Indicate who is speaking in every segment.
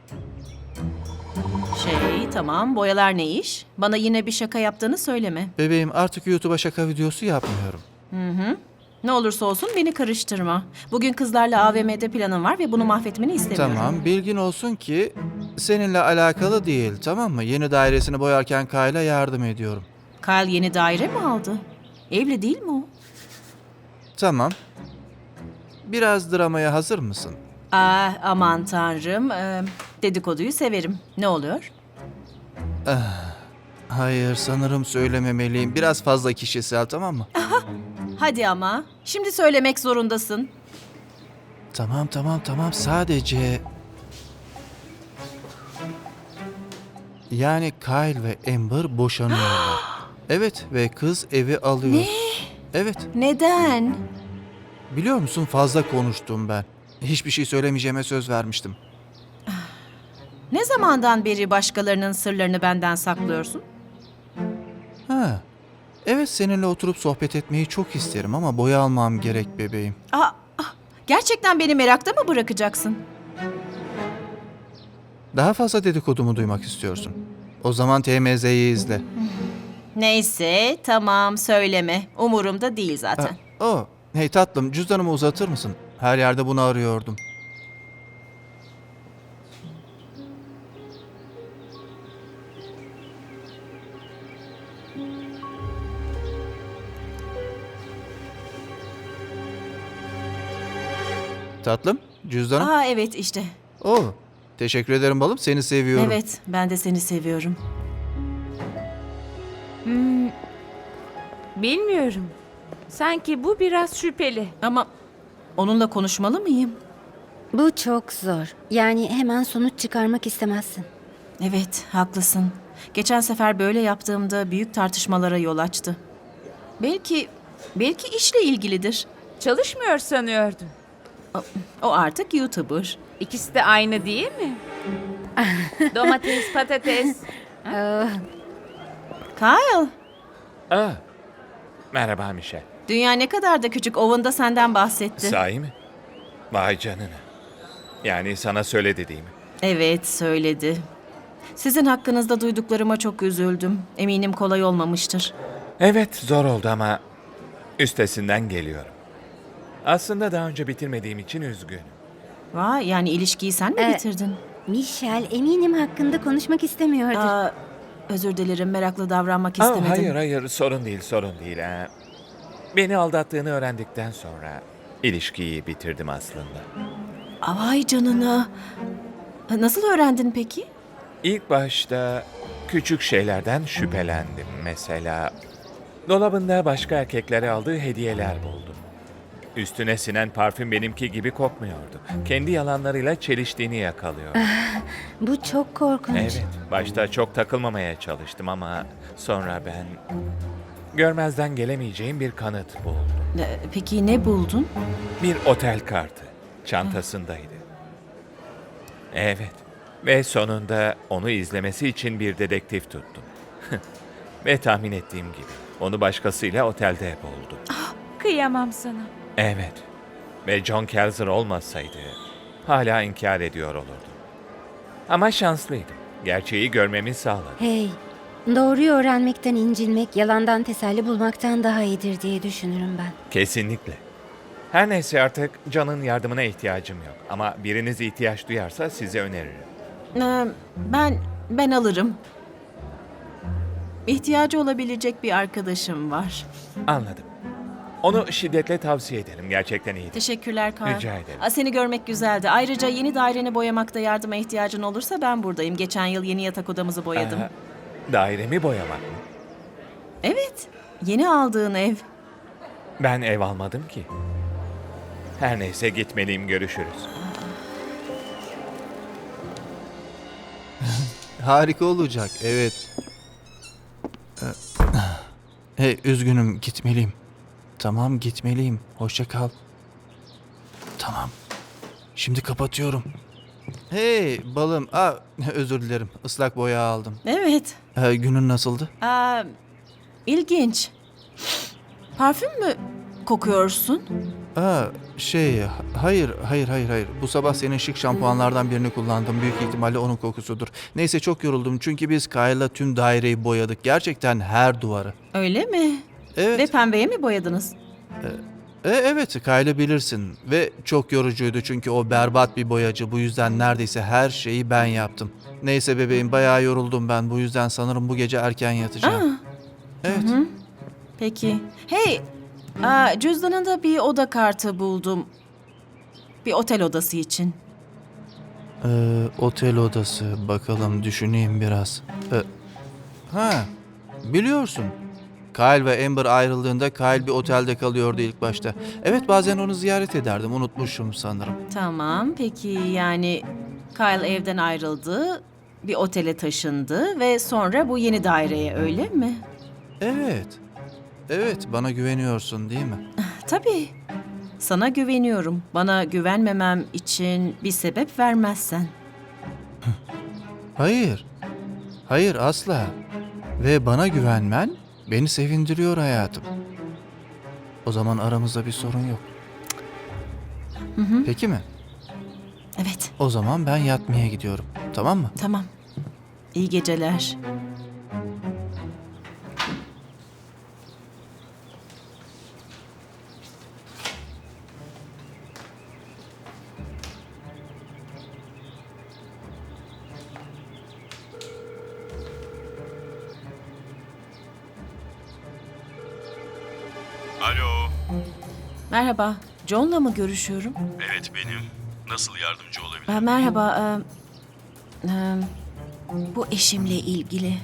Speaker 1: Tamam, boyalar ne iş? Bana yine bir şaka yaptığını söyleme.
Speaker 2: Bebeğim, artık YouTube'a şaka videosu yapmıyorum.
Speaker 1: Ne olursa olsun beni karıştırma. Bugün kızlarla AVM'de planım var ve bunu mahvetmeni istemiyorum.
Speaker 2: Tamam, bilgin olsun ki seninle alakalı değil, tamam mı? Yeni dairesini boyarken Kyle'a yardım ediyorum.
Speaker 1: Kyle yeni daire mi aldı? Evli değil mi o?
Speaker 2: Tamam. Biraz dramaya hazır mısın?
Speaker 1: Aman tanrım. Dedikoduyu severim. Ne oluyor?
Speaker 2: Hayır, sanırım söylememeliyim. Biraz fazla kişisel, tamam mı?
Speaker 1: Hadi ama. Şimdi söylemek zorundasın.
Speaker 2: Tamam. Sadece... Yani Kyle ve Amber boşanıyorlar. Evet ve kız evi alıyor.
Speaker 1: Ne?
Speaker 2: Evet.
Speaker 1: Neden?
Speaker 2: Biliyor musun, fazla konuştum ben. Hiçbir şey söylemeyeceğime söz vermiştim.
Speaker 1: Ne zamandan beri başkalarının sırlarını benden saklıyorsun?
Speaker 2: Ha. Evet, seninle oturup sohbet etmeyi çok isterim ama boya almam gerek bebeğim.
Speaker 1: Gerçekten beni merakta mı bırakacaksın?
Speaker 2: Daha fazla dedikodumu duymak istiyorsun. O zaman TMZ'yi izle.
Speaker 1: Neyse, tamam söyleme. Umurumda değil zaten.
Speaker 2: Hey tatlım, cüzdanımı uzatır mısın? Her yerde bunu arıyordum. Tatlım, cüzdanım.
Speaker 1: Evet işte.
Speaker 2: Teşekkür ederim balım, seni seviyorum.
Speaker 1: Evet, ben de seni seviyorum.
Speaker 3: Bilmiyorum. Sanki bu biraz şüpheli.
Speaker 1: Ama onunla konuşmalı mıyım?
Speaker 4: Bu çok zor. Yani hemen sonuç çıkarmak istemezsin.
Speaker 1: Evet, haklısın. Geçen sefer böyle yaptığımda büyük tartışmalara yol açtı. Belki işle ilgilidir.
Speaker 3: Çalışmıyor sanıyordum.
Speaker 1: O artık YouTuber.
Speaker 3: İkisi de aynı değil mi? Domates, patates.
Speaker 1: Kyle,
Speaker 5: Merhaba Mişel.
Speaker 1: dünya ne kadar da küçük. Owen da senden bahsetti.
Speaker 5: Sahi mi? Vay canına. Yani sana söyledi değil mi?
Speaker 1: Evet, söyledi. Sizin hakkınızda duyduklarıma çok üzüldüm. Eminim kolay olmamıştır.
Speaker 5: Evet, zor oldu ama üstesinden geliyorum. Aslında daha önce bitirmediğim için üzgünüm.
Speaker 1: Vay, yani ilişkiyi sen mi bitirdin?
Speaker 4: Michel eminim hakkında konuşmak istemiyordur.
Speaker 1: Özür dilerim, meraklı davranmak istemedim.
Speaker 5: Hayır, sorun değil. Beni aldattığını öğrendikten sonra ilişkiyi bitirdim aslında.
Speaker 1: Vay canına. Nasıl öğrendin peki?
Speaker 5: İlk başta küçük şeylerden şüphelendim. Mesela dolabında başka erkeklere aldığı hediyeler buldum. Üstüne sinen parfüm benimki gibi kokmuyordu. Kendi yalanlarıyla çeliştiğini yakalıyor.
Speaker 4: Bu çok korkunç.
Speaker 5: Evet, başta çok takılmamaya çalıştım ama sonra ben görmezden gelemeyeceğim bir kanıt buldum.
Speaker 1: Peki ne buldun?
Speaker 5: Bir otel kartı çantasındaydı. Evet ve sonunda onu izlemesi için bir dedektif tuttum. Ve tahmin ettiğim gibi onu başkasıyla otelde buldum.
Speaker 3: Kıyamam sana.
Speaker 5: Evet ve John Kelzer olmasaydı hala inkar ediyor olurdum. Ama şanslıydım. Gerçeği görmemi sağladı.
Speaker 4: Hey, doğruyu öğrenmekten incinmek, yalandan teselli bulmaktan daha iyidir diye düşünürüm ben.
Speaker 5: Kesinlikle. Her neyse artık John'ın yardımına ihtiyacım yok. Ama biriniz ihtiyaç duyarsa size öneririm.
Speaker 1: Ben alırım. İhtiyacı olabilecek bir arkadaşım var.
Speaker 5: Anladım. Onu şiddetle tavsiye ederim. Gerçekten iyidir.
Speaker 1: Teşekkürler Kyle.
Speaker 5: Rica ederim.
Speaker 1: Seni görmek güzeldi. Ayrıca yeni daireni boyamakta yardıma ihtiyacın olursa ben buradayım. Geçen yıl yeni yatak odamızı boyadım.
Speaker 5: Dairemi boyamak mı?
Speaker 1: Evet, yeni aldığın ev.
Speaker 5: Ben ev almadım ki. Her neyse gitmeliyim. Görüşürüz.
Speaker 2: Harika olacak, evet. Hey, üzgünüm, gitmeliyim. Tamam, gitmeliyim. Hoşça kal. Tamam. Şimdi kapatıyorum. Hey balım. Özür dilerim. Islak boya aldım.
Speaker 1: Evet.
Speaker 2: Günün nasıldı?
Speaker 1: İlginç. Parfüm mü kokuyorsun?
Speaker 2: Hayır. Bu sabah senin şık şampuanlardan birini kullandım. Büyük ihtimalle onun kokusudur. Neyse çok yoruldum çünkü biz Kyle'la tüm daireyi boyadık. Gerçekten her duvarı.
Speaker 1: Öyle mi?
Speaker 2: Evet.
Speaker 1: Ve pembeye mi boyadınız?
Speaker 2: Evet, Kyle'ı bilirsin. Ve çok yorucuydu çünkü o berbat bir boyacı. Bu yüzden neredeyse her şeyi ben yaptım. Neyse bebeğim, bayağı yoruldum ben. Bu yüzden sanırım bu gece erken yatacağım. Evet.
Speaker 1: Peki. Hey, cüzdanında bir oda kartı buldum. Bir otel odası için.
Speaker 2: Otel odası. Bakalım düşüneyim biraz. Biliyorsun. Kyle ve Amber ayrıldığında Kyle bir otelde kalıyordu ilk başta. Evet, bazen onu ziyaret ederdim. Unutmuşum sanırım.
Speaker 1: Tamam, peki yani Kyle evden ayrıldı, bir otele taşındı ve sonra bu yeni daireye, öyle mi?
Speaker 2: Evet. Evet, bana güveniyorsun değil mi?
Speaker 1: Tabii. Sana güveniyorum. Bana güvenmemem için bir sebep vermezsen.
Speaker 2: Hayır. Hayır, asla. Ve bana güvenmen beni sevindiriyor hayatım. O zaman aramızda bir sorun yok. Peki mi?
Speaker 1: Evet,
Speaker 2: O zaman ben yatmaya gidiyorum. Tamam mı?
Speaker 1: tamam. İyi geceler.
Speaker 6: Alo.
Speaker 1: Merhaba, John'la mı görüşüyorum?
Speaker 6: Evet benim. Nasıl yardımcı olabilirim?
Speaker 1: Merhaba, bu eşimle ilgili.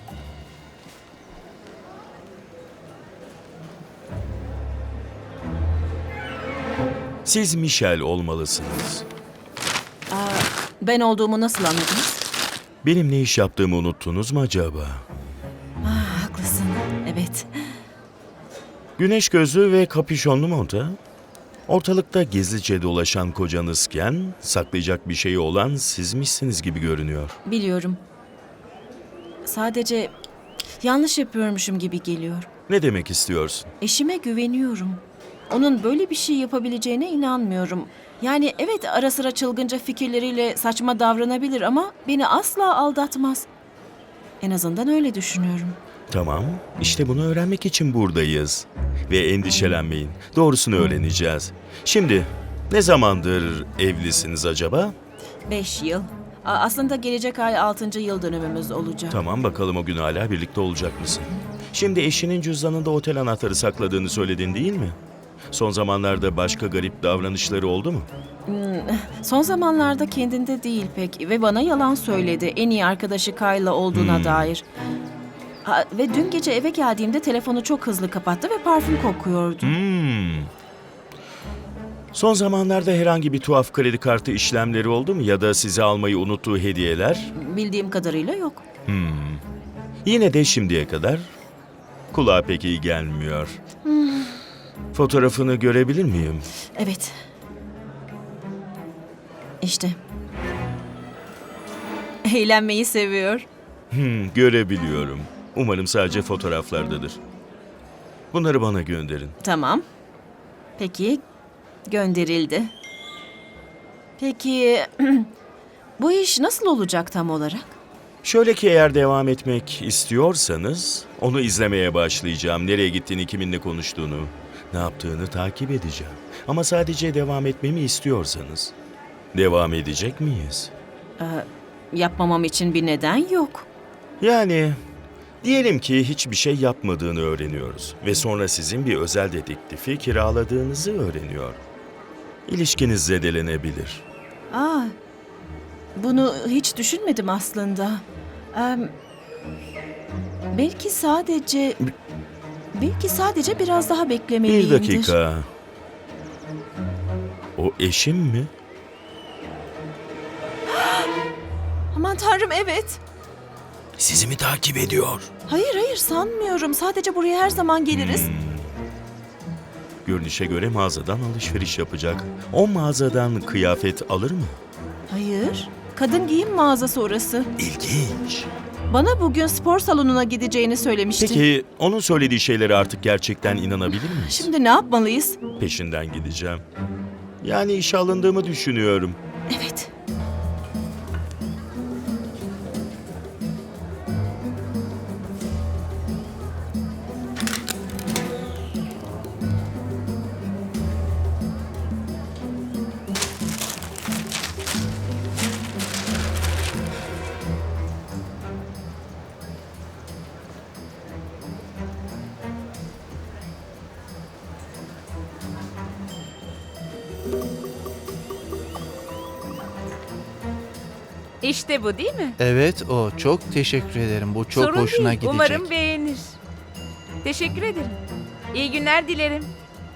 Speaker 6: Siz Michelle olmalısınız.
Speaker 1: Ben olduğumu nasıl anladınız?
Speaker 6: Benim ne iş yaptığımı unuttunuz mu acaba?
Speaker 1: Haklısın, evet.
Speaker 6: Güneş gözlü ve kapüşonlu monta. Ortalıkta gizlice dolaşan kocanızken saklayacak bir şeyi olan sizmişsiniz gibi görünüyor.
Speaker 1: Biliyorum. Sadece yanlış yapıyormuşum gibi geliyor.
Speaker 6: Ne demek istiyorsun?
Speaker 1: Eşime güveniyorum. Onun böyle bir şey yapabileceğine inanmıyorum. Yani evet, ara sıra çılgınca fikirleriyle saçma davranabilir ama beni asla aldatmaz. En azından öyle düşünüyorum.
Speaker 6: Tamam, işte bunu öğrenmek için buradayız. Ve endişelenmeyin, doğrusunu öğreneceğiz. Şimdi, ne zamandır evlisiniz acaba?
Speaker 1: 5 yıl. Aslında gelecek ay 6. yıl dönümümüz olacak.
Speaker 6: Tamam, bakalım o gün hala birlikte olacak mısın? Şimdi eşinin cüzdanında otel anahtarı sakladığını söyledin değil mi? Son zamanlarda başka garip davranışları oldu mu?
Speaker 1: Son zamanlarda kendinde değil pek ve bana yalan söyledi. En iyi arkadaşı Kyle'la olduğuna dair. Ve dün gece eve geldiğimde telefonu çok hızlı kapattı ve parfüm kokuyordu.
Speaker 6: Son zamanlarda herhangi bir tuhaf kredi kartı işlemleri oldu mu ya da size almayı unuttuğu hediyeler?
Speaker 1: Bildiğim kadarıyla yok.
Speaker 6: Yine de şimdiye kadar kulağa pek iyi gelmiyor. Fotoğrafını görebilir miyim?
Speaker 1: Evet. İşte. Eğlenmeyi seviyor.
Speaker 6: Görebiliyorum. Umarım sadece fotoğraflardadır. Bunları bana gönderin.
Speaker 1: Tamam. Peki, gönderildi. Peki, bu iş nasıl olacak tam olarak?
Speaker 6: Şöyle ki eğer devam etmek istiyorsanız onu izlemeye başlayacağım. Nereye gittiğini, kiminle konuştuğunu, ne yaptığını takip edeceğim. Ama sadece devam etmemi istiyorsanız devam edecek miyiz?
Speaker 1: Yapmamam için bir neden yok.
Speaker 6: Yani diyelim ki hiçbir şey yapmadığını öğreniyoruz ve sonra sizin bir özel dedektifi kiraladığınızı öğreniyor. İlişkiniz zedelenebilir.
Speaker 1: Bunu hiç düşünmedim aslında. Belki sadece biraz daha
Speaker 6: Bir
Speaker 1: beklemeliyimdir.
Speaker 6: dakika. O eşim mi?
Speaker 1: Aman tanrım, evet.
Speaker 6: Sizi mi takip ediyor?
Speaker 1: Hayır sanmıyorum. Sadece buraya her zaman geliriz.
Speaker 6: Görünüşe göre mağazadan alışveriş yapacak. O mağazadan kıyafet alır mı?
Speaker 1: Hayır. Kadın giyim mağazası orası.
Speaker 6: İlginç.
Speaker 1: Bana bugün spor salonuna gideceğini söylemişti.
Speaker 6: Peki onun söylediği şeylere artık gerçekten inanabilir miyiz?
Speaker 1: Şimdi ne yapmalıyız?
Speaker 6: Peşinden gideceğim. Yani işe alındığımı düşünüyorum.
Speaker 1: Evet.
Speaker 3: İşte bu değil mi?
Speaker 2: Evet o. Çok teşekkür ederim. Bu çok
Speaker 3: Sorun
Speaker 2: hoşuna
Speaker 3: değil.
Speaker 2: gidecek.
Speaker 3: Umarım beğenir. Teşekkür ederim. İyi günler dilerim.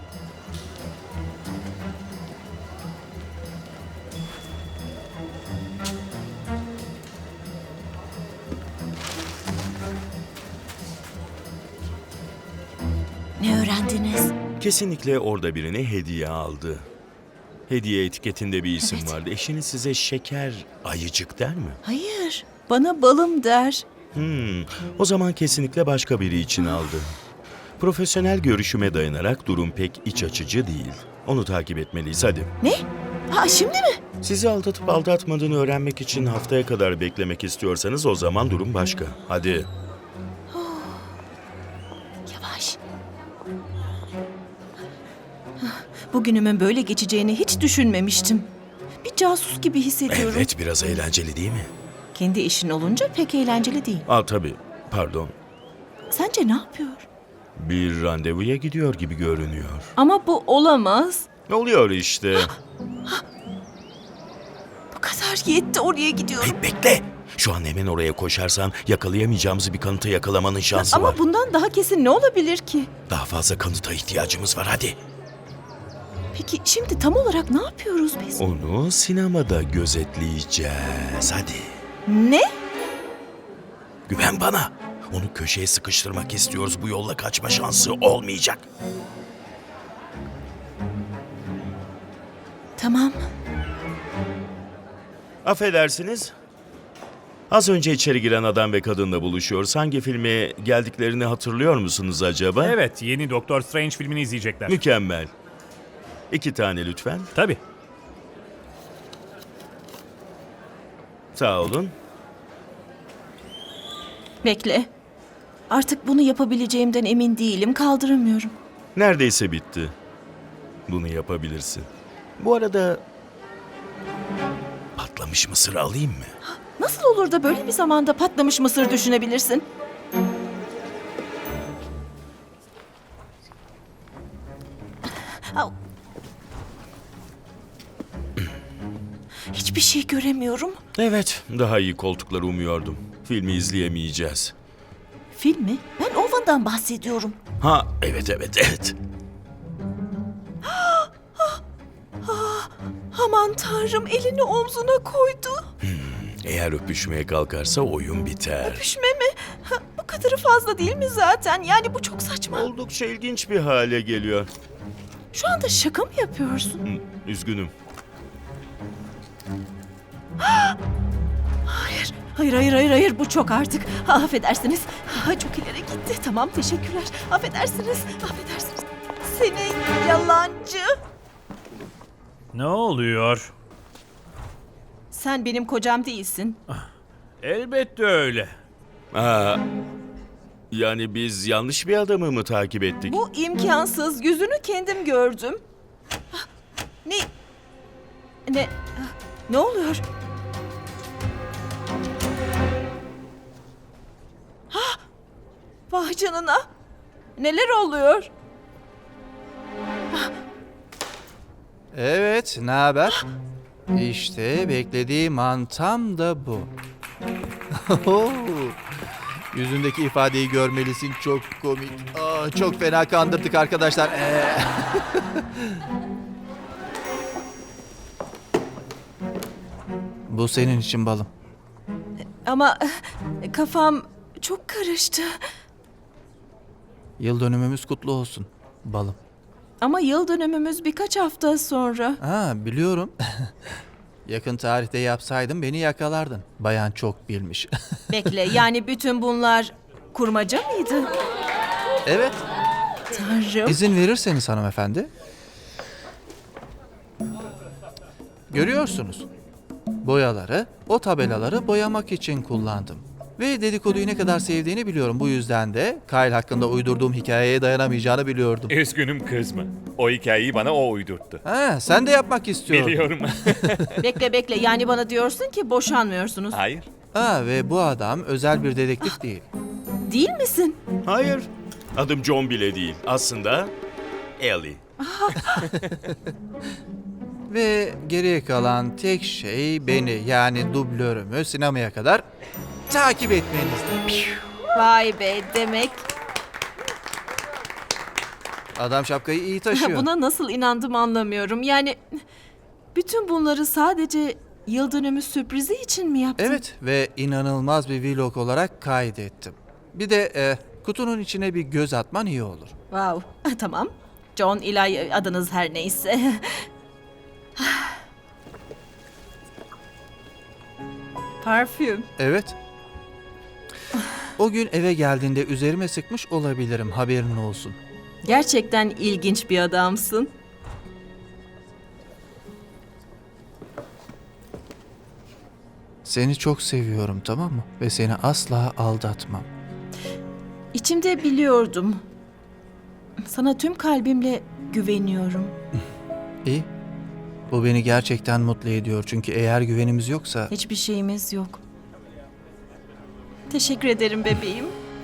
Speaker 1: Ne öğrendiniz?
Speaker 6: Kesinlikle orada birine hediye aldı. Hediye etiketinde bir isim
Speaker 1: Evet.
Speaker 6: vardı. Eşiniz size şeker ayıcık der mi?
Speaker 1: Hayır. Bana balım der.
Speaker 6: O zaman kesinlikle başka biri için aldı. Profesyonel görüşüme dayanarak durum pek iç açıcı değil. Onu takip etmeliyiz hadi.
Speaker 1: Ne? Ha şimdi mi?
Speaker 6: Sizi aldatıp aldatmadığını öğrenmek için haftaya kadar beklemek istiyorsanız o zaman durum başka. Hadi.
Speaker 1: Yavaş. Bugünümün böyle geçeceğini hiç düşünmemiştim. Bir casus gibi hissediyorum.
Speaker 6: Evet, biraz eğlenceli değil mi?
Speaker 1: Kendi işin olunca pek eğlenceli değil.
Speaker 6: Tabii. Pardon.
Speaker 1: Sence ne yapıyor?
Speaker 6: Bir randevuya gidiyor gibi görünüyor.
Speaker 1: Ama bu olamaz.
Speaker 6: Ne oluyor işte?
Speaker 1: Bu kadar yetti, oraya gidiyorum.
Speaker 6: Hey, bekle. Şu an hemen oraya koşarsan yakalayamayacağımız bir kanıtı yakalamanın şansı
Speaker 1: Ama
Speaker 6: var.
Speaker 1: bundan daha kesin ne olabilir ki?
Speaker 6: Daha fazla kanıta ihtiyacımız var hadi.
Speaker 1: Peki şimdi tam olarak ne yapıyoruz biz?
Speaker 6: Onu sinemada gözetleyeceğiz. Hadi.
Speaker 1: Ne?
Speaker 6: Güven bana. Onu köşeye sıkıştırmak istiyoruz. Bu yolla kaçma şansı olmayacak.
Speaker 1: Tamam.
Speaker 6: Affedersiniz. Az önce içeri giren adam ve kadınla buluşuyoruz. Hangi filme geldiklerini hatırlıyor musunuz acaba?
Speaker 7: Evet, yeni Doktor Strange filmini izleyecekler.
Speaker 6: Mükemmel. 2 tane lütfen.
Speaker 7: Tabii.
Speaker 6: Sağ olun.
Speaker 1: Bekle. Artık bunu yapabileceğimden emin değilim. Kaldıramıyorum.
Speaker 6: Neredeyse bitti. Bunu yapabilirsin. Bu arada patlamış mısır alayım mı?
Speaker 1: Nasıl olur da böyle bir zamanda patlamış mısır düşünebilirsin? Au. Hiçbir şey göremiyorum.
Speaker 6: Evet, daha iyi koltukları umuyordum. Filmi izleyemeyeceğiz.
Speaker 1: Film mi? Ben Ovan'dan bahsediyorum.
Speaker 6: Ha, evet.
Speaker 1: Aman tanrım, elini omzuna koydu.
Speaker 6: Eğer öpüşmeye kalkarsa oyun biter.
Speaker 1: Öpüşme mi? Ha, bu kadarı fazla değil mi zaten? Yani bu çok saçma.
Speaker 6: Oldukça ilginç bir hale geliyor.
Speaker 1: Şu anda şaka mı yapıyorsun?
Speaker 6: Üzgünüm.
Speaker 1: Hayır, bu çok artık. Affedersiniz. Çok ileri gitti. Tamam, teşekkürler. Affedersiniz. Seni yalancı.
Speaker 7: Ne oluyor?
Speaker 1: Sen benim kocam değilsin.
Speaker 7: Elbette öyle.
Speaker 6: Yani biz yanlış bir adamı mı takip ettik?
Speaker 1: Bu imkansız. Yüzünü kendim gördüm. Ne oluyor? Vay canına. Neler oluyor?
Speaker 2: Evet, ne haber? İşte beklediğim an tam da bu. Yüzündeki ifadeyi görmelisin, çok komik. Çok fena kandırdık arkadaşlar. Bu senin için balım.
Speaker 1: Ama kafam çok karıştı.
Speaker 2: Yıl dönümümüz kutlu olsun balım.
Speaker 1: Ama yıl dönümümüz birkaç hafta sonra.
Speaker 2: Biliyorum. Yakın tarihte yapsaydın beni yakalardın. Bayan çok bilmiş.
Speaker 1: Bekle, yani bütün bunlar kurmaca mıydı?
Speaker 2: Evet.
Speaker 1: Tanrım.
Speaker 2: İzin verirseniz hanımefendi. Görüyorsunuz. Boyaları, o tabelaları boyamak için kullandım. Ve dedikoduyu ne kadar sevdiğini biliyorum. Bu yüzden de Kyle hakkında uydurduğum hikayeye dayanamayacağını biliyordum.
Speaker 5: Üzgünüm kızma. O hikayeyi bana o uydurttu.
Speaker 2: Ha, sen de yapmak istiyordun.
Speaker 5: Biliyorum.
Speaker 1: Bekle, yani bana diyorsun ki boşanmıyorsunuz.
Speaker 5: Hayır.
Speaker 2: Ha, ve bu adam özel bir dedektif değil.
Speaker 1: Değil misin?
Speaker 6: Hayır. Adım John bile değil. Aslında Ellie.
Speaker 2: Ve geriye kalan tek şey beni, yani dublörümü sinemaya kadar takip etmenizdi.
Speaker 1: Vay be, demek.
Speaker 2: Adam şapkayı iyi taşıyor.
Speaker 1: Buna nasıl inandım anlamıyorum. Yani bütün bunları sadece yıl dönümü sürprizi için mi yaptın?
Speaker 2: Evet, ve inanılmaz bir vlog olarak kaydettim. Bir de kutunun içine bir göz atman iyi olur.
Speaker 1: Wow, tamam. John, İlay, adınız her neyse. Parfüm.
Speaker 2: Evet. O gün eve geldiğinde üzerime sıkmış olabilirim, haberin olsun.
Speaker 1: Gerçekten ilginç bir adamsın.
Speaker 2: Seni çok seviyorum, tamam mı? Ve seni asla aldatmam.
Speaker 1: İçimde biliyordum. Sana tüm kalbimle güveniyorum.
Speaker 2: İyi. Bu beni gerçekten mutlu ediyor. Çünkü eğer güvenimiz yoksa...
Speaker 1: Hiçbir şeyimiz yok. Teşekkür ederim bebeğim.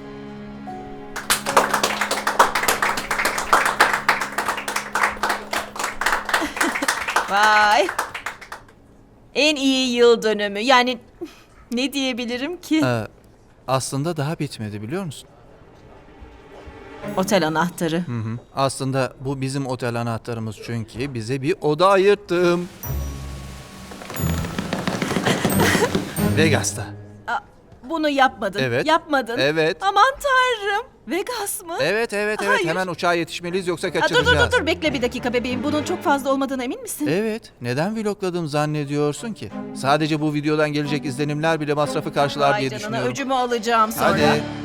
Speaker 1: Vay. En iyi yıl dönümü. Yani ne diyebilirim ki?
Speaker 2: Aslında daha bitmedi, biliyor musun?
Speaker 1: Otel anahtarı.
Speaker 2: Hı hı. Aslında bu bizim otel anahtarımız, çünkü bize bir oda ayırttım. Vegas'ta.
Speaker 1: Bunu yapmadın.
Speaker 2: Evet.
Speaker 1: Yapmadın.
Speaker 2: Evet.
Speaker 1: Aman tanrım. Vegas mı?
Speaker 2: Evet.
Speaker 1: Hayır.
Speaker 2: Hemen uçağa yetişmeliyiz, yoksa
Speaker 1: Aa, dur
Speaker 2: kaçıracağız.
Speaker 1: dur bekle bir dakika bebeğim. Bunun çok fazla olmadığına emin misin?
Speaker 2: Evet. Neden vlogladım zannediyorsun ki? Sadece bu videodan gelecek izlenimler bile masrafı karşılar
Speaker 1: Vay
Speaker 2: diye
Speaker 1: canına,
Speaker 2: düşünüyorum.
Speaker 1: öcümü alacağım sonra.
Speaker 2: Hadi.